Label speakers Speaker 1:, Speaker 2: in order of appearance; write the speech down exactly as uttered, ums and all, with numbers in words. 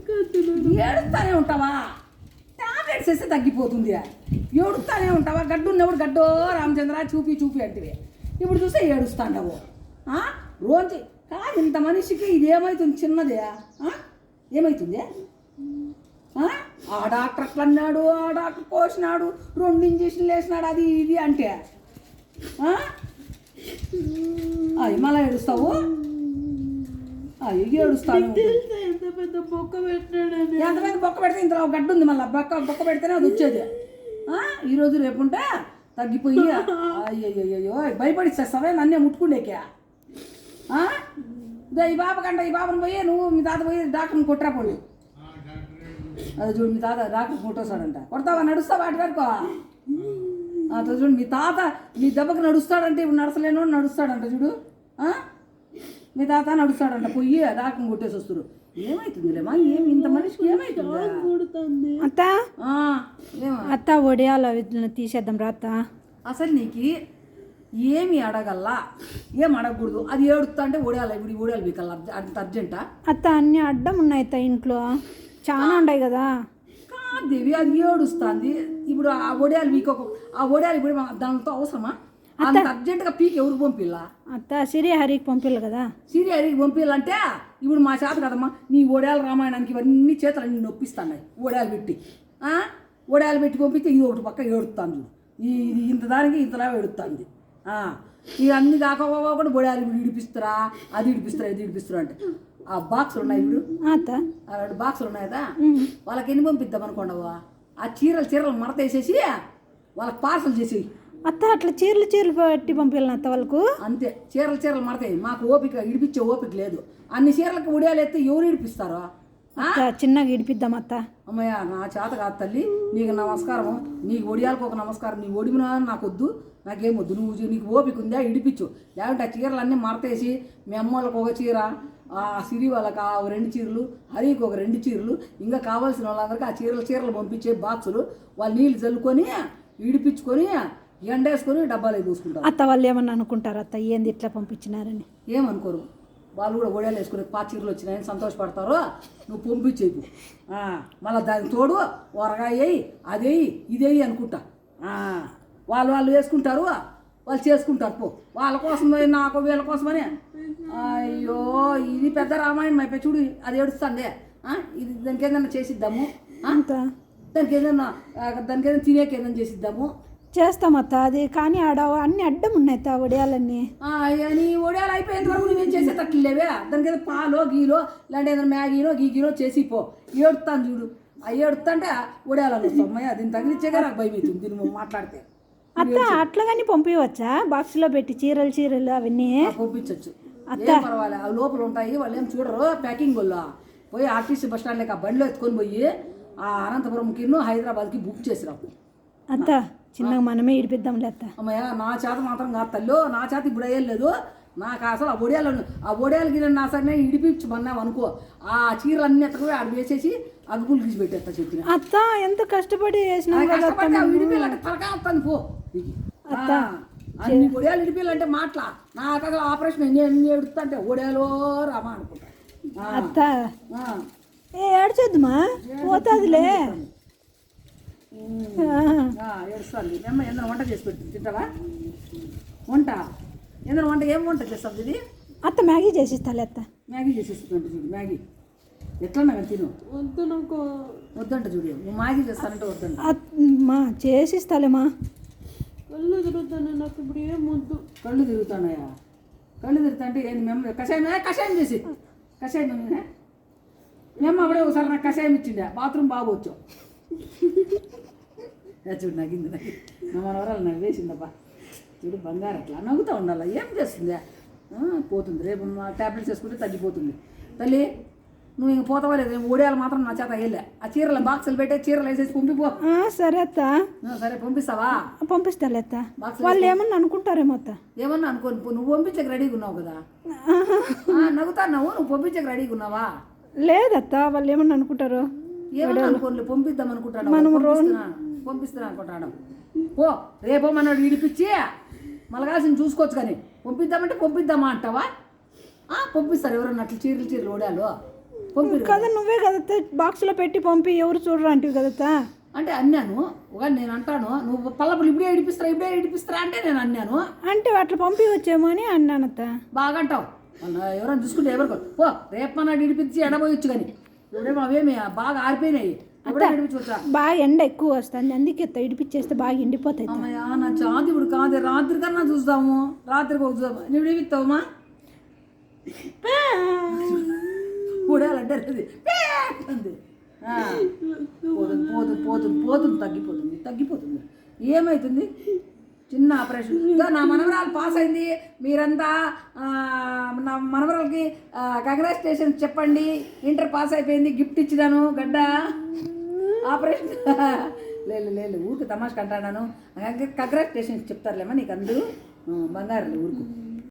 Speaker 1: ఏడుస్తానే ఉంటావా? టాబ్లెట్స్ వేస్తే తగ్గిపోతుంది. ఏడుస్తానే ఉంటావా? గడ్డు ఉన్నప్పుడు గడ్డో రామచంద్ర చూపి చూపి అంటే ఇప్పుడు చూస్తే ఏడుస్తాండవు. రోజు కాదు ఇంత మనిషికి ఇది ఏమవుతుంది? చిన్నదే ఏమవుతుంది? ఆ డాక్టర్ అట్లా అన్నాడు, ఆ డాక్టర్ కోసినాడు, రెండు ఇంజక్షన్లు వేసినాడు, అది ఇది అంటే అది మళ్ళీ ఏడుస్తావు. ఏడుస్తాను.
Speaker 2: ఎంత పెద్ద బొక్క పెట్టాడు,
Speaker 1: ఎంత పెద్ద బొక్క పెడితే ఇంతలో గడ్డు ఉంది, మళ్ళీ బొక్క బొక్క పెడితేనే అది వచ్చేది. ఈరోజు రేపుంటే తగ్గిపోయి అయ్యయ్యో భయపడిచ్చేస్తావే నన్నే ముట్టుకుండేకే. ఈ బాబు కంట ఈ బాబుని పోయి నువ్వు మీ తాత పోయి డాక్టర్ని కొట్టరా పోండి. అది చూడు మీ తాత డాక్టర్ కొట్టేస్తాడంట. కొడతావా? నడుస్తావా? వాటి వరకు అట్లా చూడు మీ తాత మీ దెబ్బకి నడుస్తాడంటే ఇప్పుడు నడసలేను నడుస్తాడంట. చూడు మీ తాత నడుస్తాడంట. పోయి డాక్టర్ని కొట్టేసి వస్తారు. ఏమైతుందిలేమా? ఏమి ఇంత మనిషికి ఏమైతుంది?
Speaker 3: అత్త అత్త ఒడియాల తీసేద్దాం రా అత్త.
Speaker 1: అసలు నీకు ఏమి అడగల్లా, ఏం అడగకూడదు. అది ఏడుస్తా అంటే ఒడియాలి. ఇప్పుడు ఒడియాలు బీకల్లా అంత అర్జెంటా?
Speaker 3: అత్త అన్నీ అడ్డం ఉన్నాయి అత్త, ఇంట్లో చాలా ఉన్నాయి కదా.
Speaker 1: కాదేవి అది ఏడుస్తుంది. ఇప్పుడు ఆ ఒడియాలు వీకొక ఆ ఒడియాలు ఇప్పుడు దానితో అవసరమా? అంత అర్జెంటుగా పీకి ఎవరికి పంపిల్లా?
Speaker 3: అత్త సిరిహరికి పంపిల్లు కదా.
Speaker 1: సిరిహరికి పంపిల్లంటే ఇప్పుడు మా చేత కదమ్మా. నీ ఒడియాల రామాయణానికి ఇవన్నీ చేతులు అన్ని నొప్పిస్తున్నాయి. ఒడియాలు పెట్టి ఒడియాలు పెట్టి పంపిస్తే ఇది ఒకటి పక్క ఏడుస్తాను. ఇది ఇంత దానికి ఇంతలా ఏడుస్తుంది. ఇక అన్ని కాకపోకుండా బొడాలు ఇడిపిస్తారా, అది ఇడిపిస్తారా, ఇది ఇడిపిస్తారా అంటే ఆ బాక్సులు ఉన్నాయి. ఇప్పుడు ఆ రెండు బాక్సులు ఉన్నాయి కదా, వాళ్ళకి ఎన్ని పంపిద్దాం అనుకోండవా? ఆ చీరలు చీరలు మడత వేసేసి వాళ్ళకి పార్సల్ చేసి
Speaker 3: అత్త అట్లా చీరలు చీరలు పెట్టి పంపించాలి అత్త వాళ్ళకు.
Speaker 1: అంతే, చీరలు చీరలు మడతాయి. మాకు ఓపిక ఇడిపించే ఓపిక లేదు. అన్ని చీరలకు ఉడియాలు ఎత్తే ఎవరు ఇడిపిస్తారో?
Speaker 3: చిన్నగా ఇడిపిద్దాం అత్త.
Speaker 1: అమ్మయ్య నా చేత కాదు తల్లి, నీకు నమస్కారం. నీకు ఒడియాలకు ఒక నమస్కారం. నీ ఒడిమినా నాకు వద్దు, నాకేం వద్దు. నువ్వు నీకు ఓపిక ఉందా ఇడిపించు. లేకుంటే ఆ చీరలు అన్నీ మడతేసి మీ అమ్మ వాళ్ళకి ఒక చీర, ఆ సిరి వాళ్ళకి ఆ రెండు చీరలు, హరికి ఒక రెండు చీరలు, ఇంకా కావాల్సిన వాళ్ళందరికీ ఆ చీరలు చీరలు పంపించే బాక్సులు వాళ్ళు నీళ్ళు చల్లుకొని ఇడిపించుకొని ఎండేసుకొని డబ్బాలు చూసుకుంటారు.
Speaker 3: అత్త వాళ్ళు ఏమన్నా అనుకుంటారు అత్త ఏంది ఇట్లా పంపించినారని?
Speaker 1: ఏమనుకోరు. వాళ్ళు కూడా ఒడియాలు వేసుకుని పా చీరలు వచ్చినాయని సంతోషపడతారు. నువ్వు పంపించేపు. మళ్ళీ దానికి తోడు ఊరగాయ వేయి, అదేయి ఇదేయి అనుకుంటా. వాళ్ళు వాళ్ళు వేసుకుంటారు, వాళ్ళు చేసుకుంటారు. పో వాళ్ళ కోసం నాకు వీళ్ళ కోసమని. అయ్యో ఇది పెద్ద రామాయణం అయిపోయి చూడు. అది ఏడుస్తుంది. ఇది దానికి ఏదైనా చేసిద్దాము, దానికి ఏదైనా దానికి ఏదైనా తినేకి ఏదైనా చేసిద్దాము.
Speaker 3: చేస్తామత్త అది. కానీ ఆడ అన్ని అడ్డం ఉన్నాయి అత్త ఒడియాలన్నీ.
Speaker 1: నీ ఒడియాలు అయిపోయేంత వరకు నువ్వేం చేసేటట్లు లేవే. దానికి ఏదో పాలో గీలో ఇలాంటి ఏదైనా మ్యాగీనో గీగీనో చేసి పో. ఏడుస్తాను చూడు. ఆ ఏడుస్తా అంటే ఒడియాలు వస్తాయి. దీన్ని తగిలిచ్చేగా నాకు భయం అవుతుంది దీన్ని నువ్వు మాట్లాడితే.
Speaker 3: అత్త అట్లా కానీ పంపించవచ్చా? బాక్స్లో పెట్టి చీరలు చీరలు అవన్నీ
Speaker 1: పంపించవచ్చు. ఏం పర్వాలే, అవి లోపల ఉంటాయి. వాళ్ళు ఏం చూడరు. ప్యాకింగ్ వాళ్ళు పోయి ఆర్టీసీ బస్ స్టాండ్ లేక ఆ బండిలో ఎత్తుకొని పోయి ఆ అనంతపురంకి హైదరాబాద్కి బుక్ చేసిరావు.
Speaker 3: అత్త చిన్నగా మనమే ఇడిపిద్దాంలే అత్త.
Speaker 1: అమ్మయ్య నా చేత మాత్రం కాదు తల్లు, నా చేత ఇప్పుడు అయ్యలేదు. నాకు అసలు ఆ ఒడియాలు ఆ ఒడియాలకి నా సరే ఇడిపించమన్నావు అనుకో, ఆ చీరలు అన్ని ఎత్తకు ఆడ వేసేసి అగ్గులు తీసి పెట్టేస్తా చెప్పిన.
Speaker 3: అత్త ఎంత కష్టపడి వేసినా
Speaker 1: ఇడిపిల్లంటే తలకా వస్తాను పో. అన్ని ఒడియాలు ఇడిపిల్లంటే మాట్లా నాకు అసలు ఆపరేషన్ ఎన్ని ఎన్ని ఎడుస్తా అంటే ఒడియాలో రామా అనుకుంటా.
Speaker 3: అత్త ఏ ఏడ్చొద్దుమా పోతుందిలే.
Speaker 1: ఏడుస్తుంది. మేము ఏదైనా వంట చేసి పెడుతుంది తింటావా? వంట ఏదైనా వంట ఏం వంట చేస్తావు ఇది?
Speaker 3: అత్త మ్యాగీ చేసిస్తాలే అత్త.
Speaker 1: మ్యాగీ చేసేస్తుంట చూడు. మ్యాగీ ఎట్లన్నా తిను.
Speaker 2: వద్దు నాకు
Speaker 1: వద్దంట చూడు. నువ్వు మ్యాగీ చేస్తానంటే వద్దంట.
Speaker 3: మా చేసిస్తాలేమా.
Speaker 2: కళ్ళు తిరుగుతాను నాకు ఇప్పుడు ఏం వద్దు.
Speaker 1: కళ్ళు తిరుగుతున్నాయా? కళ్ళు తిరుగుతా అంటే ఏంది? మేము కషాయం కషాయం చేసి కషాయం మేము అప్పుడే ఒకసారి నాకు కషాయం ఇచ్చిండే బాత్రూమ్ బాగోచ్చు. చూడు నవ్వింది. నాకు నా మనవరాలు నవ్వేసిందబ్బా. చూడు బంగారు అట్లా నవ్వుతూ ఉండాలి. ఏం చేస్తుంది? పోతుంది. రేపు ట్యాబ్లెట్స్ వేసుకుంటే తగ్గిపోతుంది. తల్లి నువ్వు ఇంక పోతావా లేదు? ఒడియాలు మాత్రం నా చేత వేయలే. ఆ చీరలు బాక్సులు పెట్టే చీరలు వేసేసి పంపిపో.
Speaker 3: సరే అత్త.
Speaker 1: సరే పంపిస్తావా?
Speaker 3: పంపిస్తాలే అత్త. వాళ్ళు ఏమన్నా అనుకుంటారేమో అత్త.
Speaker 1: ఏమన్నా అనుకోని నువ్వు పంపించక రెడీగా ఉన్నావు కదా. నవ్వుతాన్నావు. నువ్వు పంపించక రెడీగా ఉన్నావా?
Speaker 3: లేదత్త వాళ్ళు ఏమన్నా అనుకుంటారు.
Speaker 1: ఏమన్నా అనుకోని పంపిద్దాం అనుకుంటాను. పంపిస్తున్నా అనుకుంటాను. ఓ రేపో మనోడు విడిపించి మలగాల్సిన చూసుకోవచ్చు. కానీ పంపిద్దామంటే పంపిద్దామా అంటావా? పంపిస్తారు ఎవరన్నా అట్లా చీరలు చీరలు ఓడాలు. పంపిరు
Speaker 3: కదా నువ్వే కదా బాక్స్లో పెట్టి పంపి ఎవరు చూడరు అంటివి కదా.
Speaker 1: అంటే అన్నాను. ఒక నేను అంటాను నువ్వు పల్లపులు ఇప్పుడే ఇడిపిస్తారా ఇప్పుడే ఇడిపిస్తారా అంటే నేను అన్నాను.
Speaker 3: అంటే అట్లా పంపి వచ్చేమో అని అన్నానత్త.
Speaker 1: బాగా అంటావు. మొన్న ఎవరైనా చూసుకుంటే ఎవరు ఓ రేపు నాడు ఇడిపించి ఎండబోయొచ్చు కానీ ఇప్పుడేమో అవేమి బాగా ఆరిపోయినాయి. అప్పుడే ఇడిపించవచ్చా?
Speaker 3: బాగా ఎండ ఎక్కువ వస్తుంది అందుకే అత్త ఇడిపించేస్తే బాగా ఎండిపోతాయి.
Speaker 1: అమ్మయ్యా నా చాతి ఇప్పుడు కాదు రాత్రి కన్నా చూస్తాము. రాత్రికి ఒక చూద్దాము. నువ్వు ఇడిపిస్తావమ్మా కూడాలంటే అది అంది. పోతుంది పోతుంది పోతుంది పోతుంది తగ్గిపోతుంది తగ్గిపోతుంది. ఏమవుతుంది? చిన్న ఆపరేషన్. నా మనవరాలు పాస్ అయింది. మీరంతా నా మనవరాలకి కంగ్రాచులేషన్ చెప్పండి. ఇంటర్ పాస్ అయిపోయింది. గిఫ్ట్ ఇచ్చినాను గడ్డ ఆపరేషన్. లేదు లేదు ఊరికి తమాష కంటాను. కంగ్రాచులేషన్ చెప్తారులేమా నీకు అందరూ బంగారు ఊరుకు.